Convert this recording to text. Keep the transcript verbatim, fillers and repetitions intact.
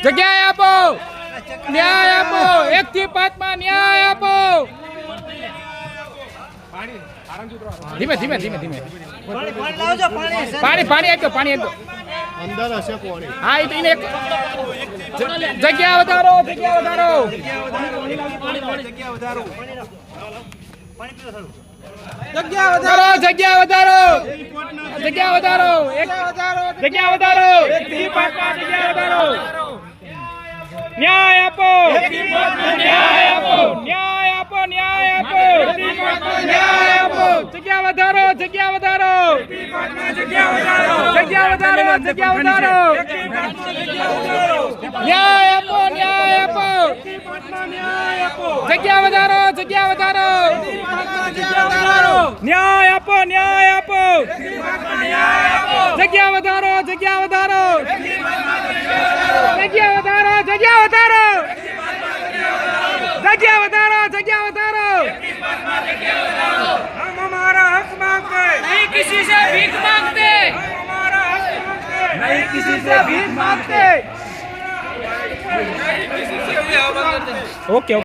જગ્યાએ આપો, ન્યાય આપો, એક થી પાંચ માં ન્યાય આપો. ધીમે ધીમે ધીમે ધીમે પાણી પાણી આપજો, પાણી આપજો. અંદર હશે કોણી. હા, એ એને જગ્યા વધારો, જગ્યા વધારો, જગ્યા વધારો, જગ્યા વધારો, જગ્યા વધારો, એક જગ્યા વધારો, એક થી પાંચ માં જગ્યા વધારો. ન્યાય આપો, ન્યાય આપો, ન્યાય આપો, ન્યાય આપો, ન્યાય આપો. જગ્યા વધારો, જગ્યા વધારો, જગ્યા વધારો, જગ્યા વધારો. ન્યાય આપો, ન્યાય આપો, જગ્યા વધારો, જગ્યા વધારો, ન્યાય આપો, ન્યાય આપો, જગ્યા વધારો, જગ્યા વધારો, જગ્યા વધારો, જગ્યા વધારો, જગ્યા વધારો, જગ્યા વધારો. हम हमारा हक मांगते नहीं, किसी से भीख मांगते, हम हमारा हक मांगते नहीं, किसी से भीख मांगते. ओके.